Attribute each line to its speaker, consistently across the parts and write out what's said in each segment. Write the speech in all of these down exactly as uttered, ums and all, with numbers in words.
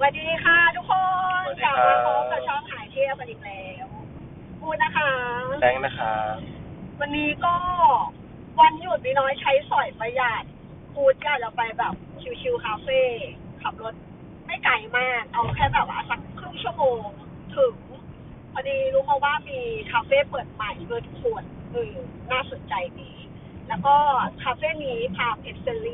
Speaker 1: วัสดีค่ะทุกคน
Speaker 2: สวัสดี
Speaker 1: กลับ
Speaker 2: ครับ
Speaker 1: มาพบกับช่องหายเที่ยวกันอีกแล้วพูดนะคะ
Speaker 2: แบงค์นะครับ
Speaker 1: วันนี้ก็วันหยุดมีน้อยใช้สอยประหยัดพูดอยากจะไปแบบชิลๆคาเฟ่ขับรถไม่ไกลมากเอาแค่แบบว่าสักครึ่งชั่วโมงถึงพอดีรู้มาว่ามีคาเฟ่เปิดใหม่ด้วยทุกคนเออน่าสนใจดีแล้วก็คาเฟ่นี้พาเพชรเซรี่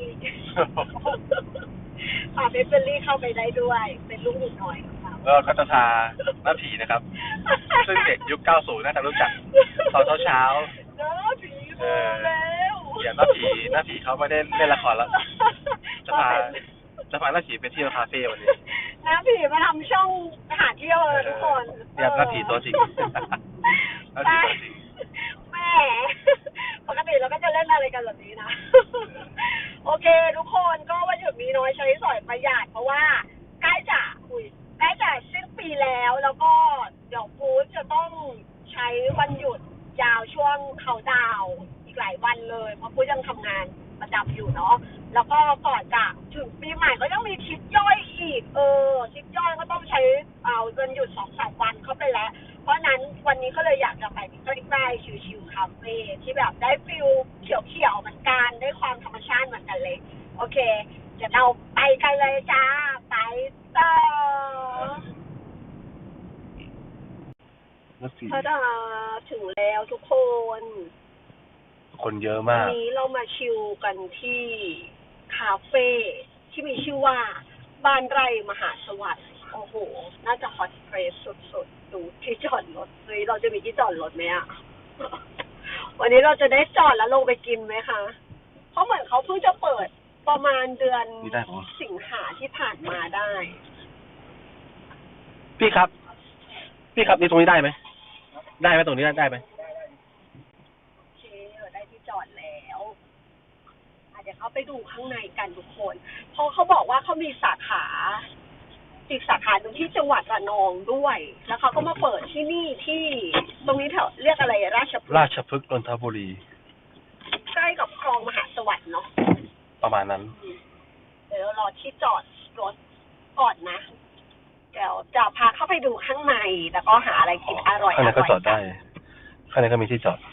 Speaker 1: พาเพชรเซรี่เข้าไปได้ด้วยเป็นลูกหนูน้อยของเรา
Speaker 2: ก็คัตชาหน้าผีนะครับ ซึ่งเด็กยุคเก้าสิบน่าจะรู้จักตอนเช้า
Speaker 1: เนาะผี
Speaker 2: ๆเอ
Speaker 1: มา
Speaker 2: อ
Speaker 1: แล้ว
Speaker 2: อย่าหน้าผีหน้าผีเขาไม่ได้เล่นละครแล้ว จะพาจะพาหน้าผีไปเที่ยวคาเฟ่วันนี้
Speaker 1: น้าผีมาทำช่องหาเที่ยวเลยทุกคน
Speaker 2: เรียกหน้าผีตัวจริงหน้าผีตัวจริง
Speaker 1: แม่ปกติเราก็จะเล่นอะไรกันแบบนี้นะ โอเคทุกคนก็วันหยุดมีน้อยใช้สอยประหยัดเพราะว่าใกล้จะอุยใกล้จะสิ้นปีแล้วแล้วก็เดี๋ยวฟูดจะต้องใช้วันหยุดยาวช่วงเขาดาวน์อีกหลายวันเลยเพราะฟูดยังทำงานประจำอยู่เนาะแล้วก็ก่อนจะถึงปีใหม่ก็ยังมีทริปย่อยอีกเออทริปย่อยก็ต้องใช้เอาวันหยุดสองสามวันเข้าไปแล้วเพราะนั้นวันนี้ก็เลยอยากจะไปใกล้ๆชิลๆคาเฟ่ที่แบบได้ฟิลเขียวๆเหมือนกันได้ความธรรมชาติเหมือนกันเลยโอเคเดี๋ยวเราไปกันเลยจ้าไปต่อพระดาถึงแล้วทุกคน
Speaker 2: คนเยอะ
Speaker 1: วั
Speaker 2: มาน ก
Speaker 1: นี้เรามาชิลกันที่คาเฟ่ที่มีชื่อว่าบ้านไร่มหาสวัสดิ์โอ้โหน่าจะฮอตเพรสสุดๆดูที่จอดรถเฮ้ยเราจะมีที่จอดรถไหมอะ วันนี้เราจะได้จอดแล้วลงไปกินไหมคะเพราะเหมือนเขาเพิ่งจะเปิดประมาณเดือน
Speaker 2: นี่ได้ปะ
Speaker 1: สิงหาที่ผ่านมาได้
Speaker 2: พี่ครับ พี่ครับนี่ตรงนี้ได้ไหมได้ไหมตรงนี้ได้ได้ไหม
Speaker 1: โอเคเราได้ที่จอดแล้วอ่ะเดี๋ยวเขาไปดูข้างในกันทุกคนเพราะเขาบอกว่าเขามีสาขาอีกสาขาหนึ่งที่จังหวัดระนองด้วย แล้วเขาก็มาเปิดที่นี่ที่ตรงนี้แถวเรียกอะไรราชพฤกษ์
Speaker 2: ราชพฤกษ์นนทบุรี
Speaker 1: ใกล้กับคลองมหาสวัสดิ์เนาะ
Speaker 2: ประมาณนั้น
Speaker 1: เดี๋ยวเรารอที่จอดรถก่อนนะ เดี๋ยวจะพาเข้าไปดูข้างในแล้วก็หาอะไรกินอร่อย
Speaker 2: ข้างในก็จอดได้ ข้างในก็มีที่จอด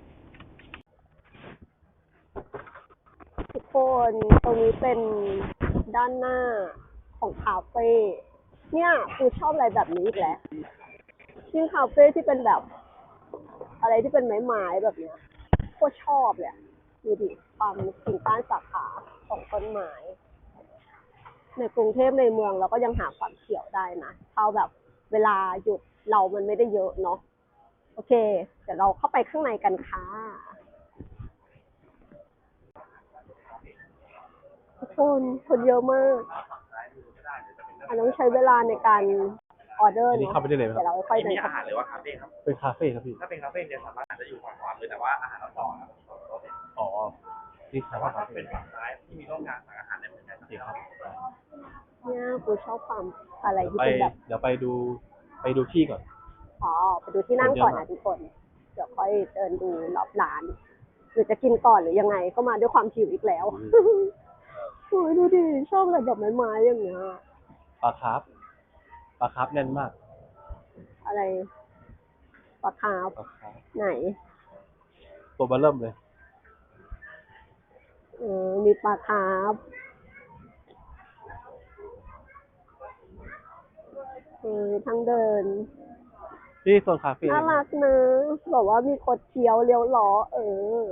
Speaker 1: ทุกคนตรงนี้เป็นด้านหน้าของคาเฟ่เนี่ยคือชอบอะไรแบบนี้อีกแล้วยิ่งคาเฟ่ที่เป็นแบบ อะไรที่เป็นไม้ๆแบบเนี้ยโคตรชอบเลยดูดิความกิ่งก้านสาขาของต้นไม้ในกรุงเทพในเมืองเราก็ยังหาความเขียวได้นะเอาแบบเวลาหยุดเรามันไม่ได้เยอะเนาะโอเคเดี๋ยวเราเข้าไปข้างในกันค่ะทุกคนคนเยอะมากอันต้องใช้เวลาในการออเดอร์
Speaker 2: อันนี้
Speaker 1: เนาะ
Speaker 2: เข้าไปได้เลยไหมครับ
Speaker 1: เดี๋ยวเราค่อยเดิน
Speaker 3: มีอา
Speaker 1: เข้า
Speaker 3: หารหรือว่าคาเฟ่ครับ
Speaker 2: เป็นคาเฟ่ครับพี่
Speaker 3: ถ้าเป็นคาเฟ่เนี่ยสามารถอาจจะอยู่ฝั่งขวามือแต่ว่าอาหารเราต่อครับ
Speaker 2: อ๋อ นี่
Speaker 3: แต่
Speaker 2: คา
Speaker 3: ว่า
Speaker 2: เฟ่
Speaker 3: ถ้าเป็นฝั่งซ้ายที่มีร่องกลางสั่งอาหารได้เหมือนกัน
Speaker 2: ดีครับ
Speaker 1: เนี่ยกูชอบความอะไรที่
Speaker 2: ไป
Speaker 1: เป็นแบบ
Speaker 2: เดี๋ยวไปดู ไปดูที่ก่อน
Speaker 1: อ๋อไปดูที่นั่งก่อนนะทุกคน เดี๋ยวค่อยเดินดูรอบร้าน หรือจะกินก่อนหรือยังไงก็มาด้วยความหิวอีกแล้วโอ้ยดูดิชอบอะไรแบบไม้ๆอย่างเงี้ย
Speaker 2: ปลาคาร์ฟปลาคาร์ฟแน่นมาก
Speaker 1: อะไรปลาคาร์ฟ
Speaker 2: ปลาคาร์ฟ
Speaker 1: ไหน
Speaker 2: ตัวเบอร์เริ่มเลย
Speaker 1: เออมีปลาคาร์ฟเออทางเดิน
Speaker 2: ที่โซนคาเฟ่
Speaker 1: น่ารักนะบอกว่ามีคดเคี้ยวเลี้ยวล้อ เออ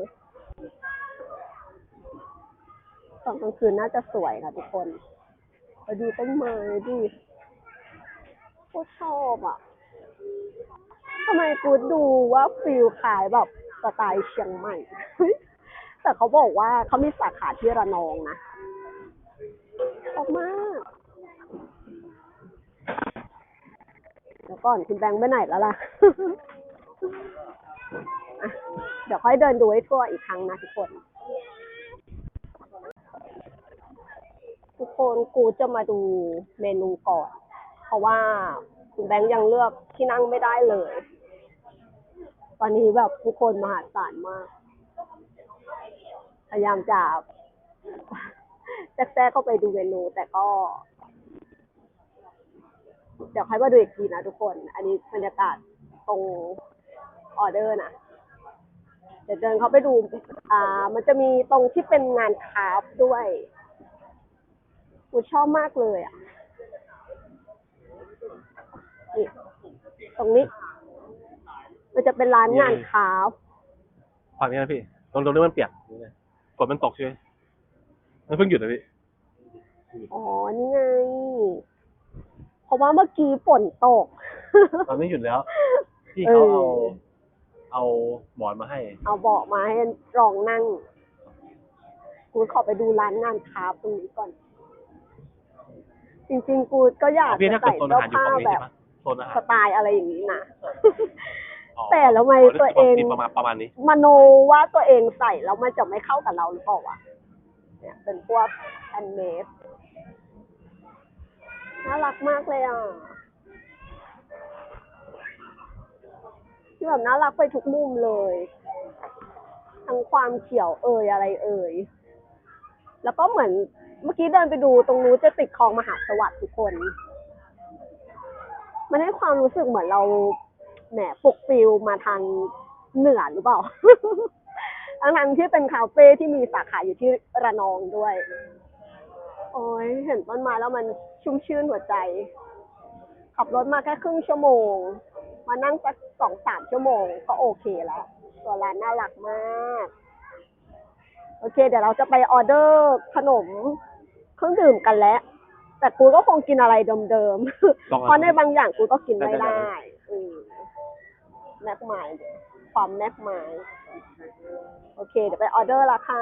Speaker 1: ตอนกลางคืนน่าจะสวยค่ะทุกคนไปดูต้นไม้ดิโคตรชอบอ่ะทำไมกูดูว่าฟิลขายแบบสไตล์เชียงใหม่เฮ้ยแต่เขาบอกว่าเขามีสาขาที่ระนองนะชอบมากเดี๋ยวก่อนคุณแบงค์ไปไหนแล้วล่ะ อ่ะเดี๋ยวค่อยเดินดูให้ทั่วอีกครั้งนะทุกคน ทุกคนกูจะมาดูเมนูก่อน เพราะว่าคุณแบงค์ยังเลือกที่นั่งไม่ได้เลย ตอนนี้แบบทุกคนมหาศาลมาก พยายามจะแทรกเข้าไปดูเมนูแต่ก็ดี๋ยวค่อยมาดูอีกทีนะทุกคน อันนี้บรรยากาศตรงออเดอร์นะเดี๋ยวเดินเขาไปดู อ่า มันจะมีตรงที่เป็นงานคราฟต์ด้วยกูชอบมากเลยอ่ะนี่ตรงนี้ มันจะเป็นร้านงานคราฟต์
Speaker 2: ฝั่งนี้นะพี่ตรงตรงนี้มันเปียกฝนมันตกใช่ไหมมันเพิ่งหยุดนะพี่
Speaker 1: อ๋อ นี่ไง เพราะว่าเมื่อกี้ฝนตก
Speaker 2: ตอนนี้หยุดแล้วพี่เขาเอา
Speaker 1: เออ
Speaker 2: เอาหมอนมาให้
Speaker 1: เอาเบาะมาให้รองนั่ง กูขอไปดูร้านงานคราฟต์ตรงนี้ก่อน จริงๆ กูก็อยาก
Speaker 2: พี่
Speaker 1: จะ
Speaker 2: ถ้าเกิด
Speaker 1: ใส่
Speaker 2: โซนอา
Speaker 1: เสื้อ
Speaker 2: หารอยู่
Speaker 1: ผ้า
Speaker 2: ฝั่งนี้
Speaker 1: แบ
Speaker 2: ใช่
Speaker 1: บ
Speaker 2: ไหมโซนอาหาร
Speaker 1: สไตล์อะไรอย่างนี้นะ
Speaker 2: อ๋อ
Speaker 1: แต่แล้วทำไมตัวเอง
Speaker 2: ประมาณประมาณนี้
Speaker 1: มโนว่าตัวเองใส่แล้วมันจะไม่เข้ากับเราหรือเปล่าวะเนี่ยเป็นพวกแฮนด์เมดน่ารักมากเลยอ่ะที่แบบน่ารักไปทุกมุมเลย ทั้งความเขียวเอ่ยอะไรเอ่ยแล้วก็เหมือนเมื่อกี้เดินไปดูตรงนู้นจะติดคลองมหาสวัสดิ์ทุกคน มันให้ความรู้สึกเหมือนเราแหมปลุกฟิลมาทางเหนือหรือเปล่า ทั้งๆที่เป็นคาเฟ่ที่มีสาขาอยู่ที่ระนองด้วย โอ้ยเห็นต้นไม้แล้วมันชุ่มชื่นหัวใจ ขับรถมาแค่ครึ่งชั่วโมง มานั่งสักสองสามชั่วโมงก็โอเคแล้วตัวร้านน่ารักมาก โอเค เดี๋ยวเราจะไปออเดอร์ขนมเครื่องดื่มกันแล้ว แต่กูก็คงกินอะไรเดิมๆ เพราะในบางอย่างกูก็กินไม่ได้อืมแม็กไมล์ความแม็กไมล์โอเค เดี๋ยวไปออเดอร์ละค่ะ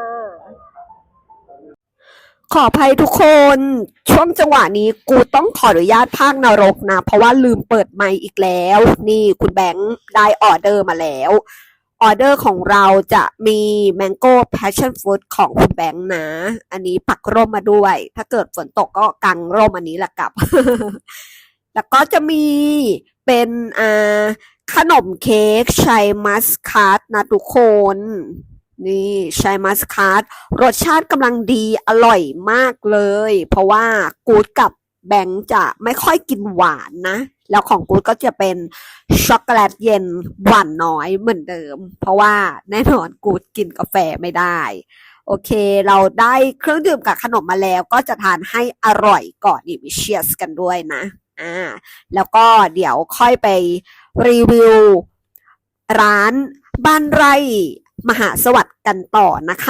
Speaker 1: ขออภัยทุกคน ช่วงจังหวะนี้กูต้องขออนุญาตพากย์นรกนะ เพราะว่าลืมเปิดไมค์อีกแล้ว นี่คุณแบงค์ได้ออเดอร์มาแล้ว ออเดอร์ของเราจะมี Mango Passion Fruit ของคุณแบงค์นะ อันนี้ปักร่มมาด้วย ถ้าเกิดฝนตกก็กังร่มอันนี้แหละกลับ แล้วก็จะมีเป็นอ่าขนมเค้กชัยมัสคาร์ดนะทุกคน นี่ชัยมัสคาร์ดรสชาติกำลังดีอร่อยมากเลย เพราะว่ากูดกับแบงค์จะไม่ค่อยกินหวานนะ แล้วของกูดก็จะเป็นช็อกโกแลตเย็นหวานน้อยเหมือนเดิม เพราะว่าแน่นอนกูดกินกาแฟไม่ได้ โอเคเราได้เครื่องดื่มกับขนมมาแล้วก็จะทานให้อร่อยก่อนนี่มีเชียร์สกันด้วยนะอ่าแล้วก็เดี๋ยวค่อยไปรีวิวร้านบ้านไร่มหาสวัสดิ์กันต่อนะคะ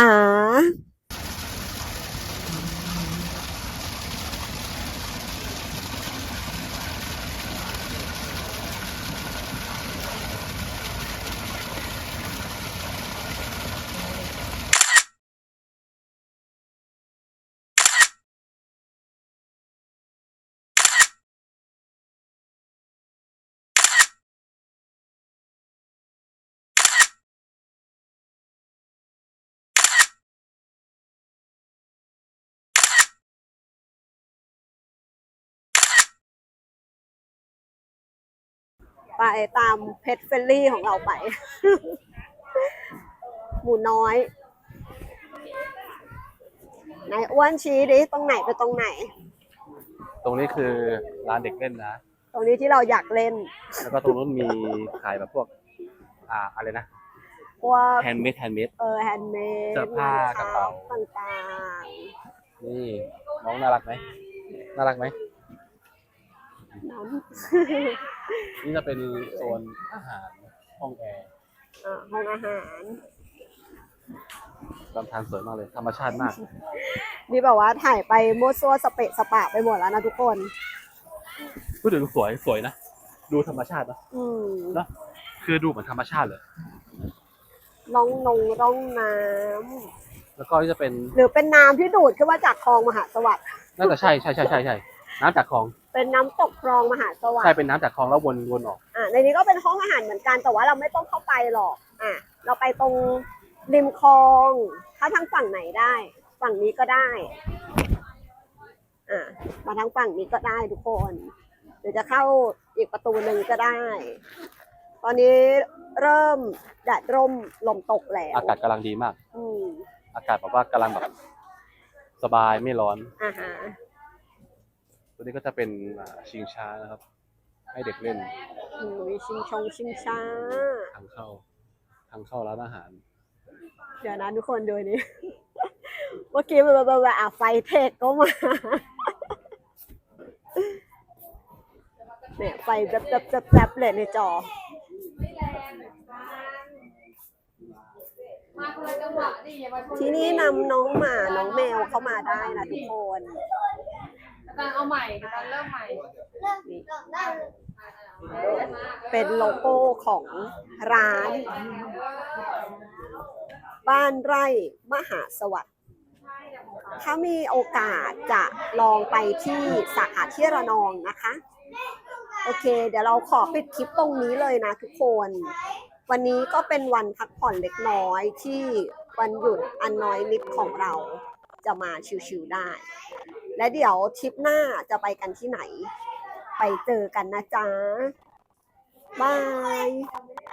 Speaker 1: ไปตามเพชรเฟลลี่ของเราไป หมูน้อยไหนอ้วนชี้ดิตรงไหนไปตรงไหน
Speaker 2: ตรงนี้คือร้านเด็กเล่นนะ
Speaker 1: ตรงนี้ที่เราอยากเล่น
Speaker 2: แล้วก็ตรงนู้นมีขายแบบพวก อ่าอะไรนะ
Speaker 1: พวก
Speaker 2: แฮนด์เมดแฮนด์เมด
Speaker 1: เออแฮนด์เมด
Speaker 2: เสื้อผ้ากระเป๋า
Speaker 1: ต่าง
Speaker 2: นี่น้องน่ารักไหมน่ารักไหม
Speaker 1: ๆน้ำ
Speaker 2: นี่จะเป็นโซนอาหารห้องแอร์
Speaker 1: อ่าห้องอาหาร
Speaker 2: ลำธารสวยมากเลย ธรรมชาติมาก
Speaker 1: นี่แบบว่าถ่ายไปมั่วซั่วสเปะสปะไปหมดแล้วนะทุกคน
Speaker 2: พูดถึงสวยสวยนะ ดูธรรมชาตินะ
Speaker 1: อืม
Speaker 2: เนอะคือดูเหมือนธรรมชาติเลย
Speaker 1: ร่องนงร่องน้
Speaker 2: แล้วก็นี่จะเป็น
Speaker 1: ำหรือเป็นน้ำที่ดูดขึ้นมาจากคลองมหาสวัสดิ์
Speaker 2: น่าจะใช่ใช่ใช่ใช่ใช่น้ำจากคลอง
Speaker 1: เป็นน้ำตกคลองมหาสวัส
Speaker 2: ใช่
Speaker 1: ดิ์
Speaker 2: เป็นน้ำจากคลองแล้ววนวนออก
Speaker 1: อ่าในนี้ก็เป็นห้องอาหารเหมือนกันแต่ว่าเราไม่ต้องเข้าไปหรอกอ่ะเราไปตรงริมคลอง ถ้าทางฝั่งไหนได้ ฝั่งนี้ก็ได้อ่ะมาทางฝั่งนี้ก็ได้ทุกคนหรือจะเข้าอีกประตูหนึ่งก็ได้ ตอนนี้เริ่มแดดร่มลมตกแล้ว
Speaker 2: อากาศกำลังดีมาก
Speaker 1: อืม
Speaker 2: อากาศแบบว่ากำลังแบบสบายไม่ร้อน
Speaker 1: อ่าฮะ
Speaker 2: ตัวนี้ก็จะเป็นอ่าชิงช้านะครับ
Speaker 4: ให้เด็กเล่น
Speaker 1: โอ้ยชิงชงชิงช้า
Speaker 4: ทางเข้าทางเข้าร้านอาหาร
Speaker 1: เดี๋ยวนะทุกคนดูนี่ เมื่อกี้แบบแบบแบบอ่ะไฟเทคก็มา เนี่ยไฟแจ๊บแจ๊บแจ๊บแจ๊บเลยในจอ
Speaker 5: มาคนละจังหวะดิอย่ามาชน
Speaker 1: ที่นี่นำน้องหมาน้องแมวเข้ามาได้นะทุกคน
Speaker 5: กำลังเอาใหม่กำลังเริ่มใหม่
Speaker 1: นี่เป็นโลโก้ของร้าน บ้านไร่มหาสวัสดิ์ถ้ามีโอกาสจะลองไปที่สาขาที่ระนองนะคะ โอเค เดี๋ยวเราขอปิดคลิปตรงนี้เลยนะทุกคน วันนี้ก็เป็นวันพักผ่อนเล็กน้อยที่วันหยุดอันน้อยนิดของเราจะมาชิวๆได้ และเดี๋ยวทริปหน้าจะไปกันที่ไหน ไปเจอกันนะจ๊ะ บาย